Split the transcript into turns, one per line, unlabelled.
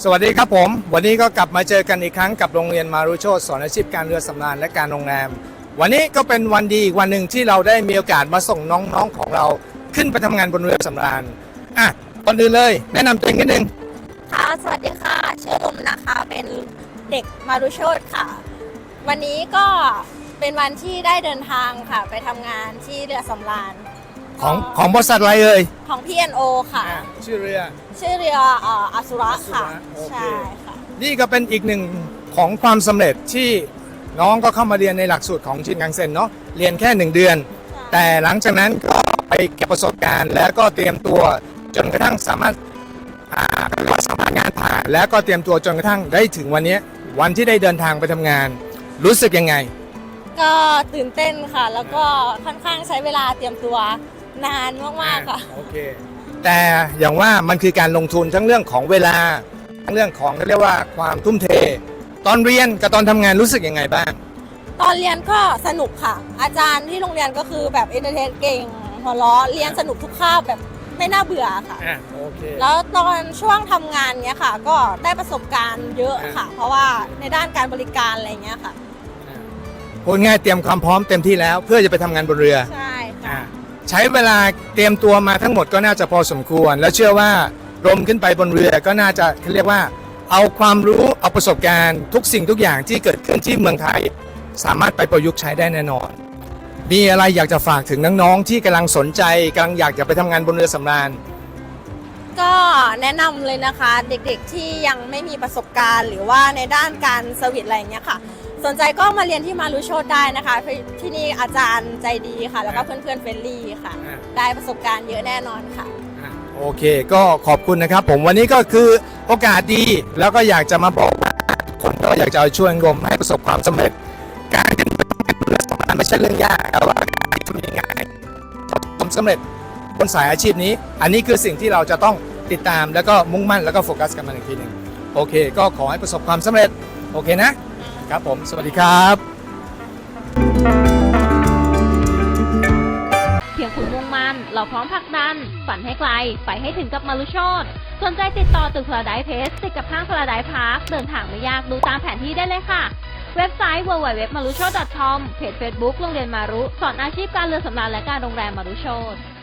สวัสดีครับผมวันนี้ก็กลับมาเจอกันอีกครั้งกับโรงเรียนมารุโชติสอนอาชีพการเรือสำราญและการโรงแรมวันนี้ก็เป็นวันดีอีกวันหนึ่งที่เราได้มีโอกาสมาส่งน้องๆของเราขึ้นไปทำงานบนเรือสำราญก่อนอื่นเลยแนะนำตัวเองนิดนึง
ค่ะสวัสดีค่ะชื่อลมนะคะเป็นเด็กมารุโชติค่ะวันนี้ก็เป็นวันที่ได้เดินทางค่ะไปทำงานที่เรือสำราญ
ของบริษัทอะไรเอ่ย
ของ P&O ค่ะ
ชื่อเรือ
อสุระค่ะใช่ค่ะ
นี่ก็เป็นอีกหนึ่งของความสำเร็จที่น้องก็เข้ามาเรียนในหลักสูตรของชินคังเซ็นเนาะเรียนแค่1 เดือนแต่หลังจากนั้นก็ไปเก็บประสบการณ์แล้วก็เตรียมตัวจนกระทั่งสามารถสมัครงานผ่านแล้วก็เตรียมตัวจนกระทั่งได้ถึงวันนี้วันที่ได้เดินทางไปทำงานรู้สึกยังไง
ก็ตื่นเต้นค่ะแล้วก็ค่อนข้างใช้เวลาเตรียมตัวนานมากๆค่ะ
โอเคแต่อย่างว่ามันคือการลงทุนทั้งเรื่องของเวลาทั้งเรื่องของเรียกว่าความทุ่มเทตอนเรียนกับตอนทำงานรู้สึกยังไงบ้าง
ตอนเรียนก็สนุกค่ะอาจารย์ที่โรงเรียนก็คือแบบเอนเตอร์เทนเก่งหัวเราะเรียนสนุกทุกคาบแบบไม่น่าเบื่อค่ะ
โอเค
แล้วตอนช่วงทำงานเนี้ยค่ะก็ได้ประสบการณ์เยอะค่ะเพราะว่าในด้านการบริการอะไรเงี้ยค่ะ
พูดง่ายเตรียมความพร้อมเต็มที่แล้วเพื่อจะไปทำงานบนเรือ
ใช่ค่ะ
ใช้เวลาเตรียมตัวมาทั้งหมดก็น่าจะพอสมควรแล้วเชื่อว่าลมขึ้นไปบนเรือก็น่าจะเรียกว่าเอาความรู้เอาประสบการณ์ทุกสิ่งทุกอย่างที่เกิดขึ้นที่เมืองไทยสามารถไปประยุกต์ใช้ได้แน่นอนมีอะไรอยากจะฝากถึงน้องๆที่กำลังสนใจกำลังอยากจะไปทำงานบนเรือสำราญ
ก็แนะนำเลยนะคะเด็กๆที่ยังไม่มีประสบการณ์หรือว่าในด้านการเซอร์วิสอะไรอย่างเงี้ยค่ะสนใจก็มาเรียนที่มารุโชติได้นะคะที่นี่อาจารย์ใจดีค่ะแล้วก็เพื่อนๆเฟรนลี่ค่ะได้ประสบการณ์เยอะแน่นอนค่ะ
โอเคก็ขอบคุณนะครับผมวันนี้ก็คือโอกาสดีแล้วก็อยากจะมาบอกคนก็อยากจะช่วยงมให้ประสบความสำเร็จการเป็นเรือสำราญไม่ใช่เรื่องยากแต่ว่าทำยังไงความสำเร็จบนสายอาชีพนี้อันนี้คือสิ่งที่เราจะต้องติดตามแล้วก็มุ่งมั่นแล้วก็โฟกัสกันมาอีกทีหนึ่งโอเคก็ขอให้ประสบความสำเร็จโอเคนะครับผมสวัสดีครับ
เพียงคุณมุ่งมั่นเราพร้อมผลักดันฝันให้ไกลไปให้ถึงกับมารุโชติสนใจติดต่อตึกพาราไดซ์เพลสติดกับห้างพาราไดซ์พาร์คเดินทางไม่ยากดูตามแผนที่ได้เลยค่ะเว็บไซต์ www.marucho.com เพจ Facebook โรงเรียนมารุสอนอาชีพการเรือสำราญและการโรงแรมมารุโชติ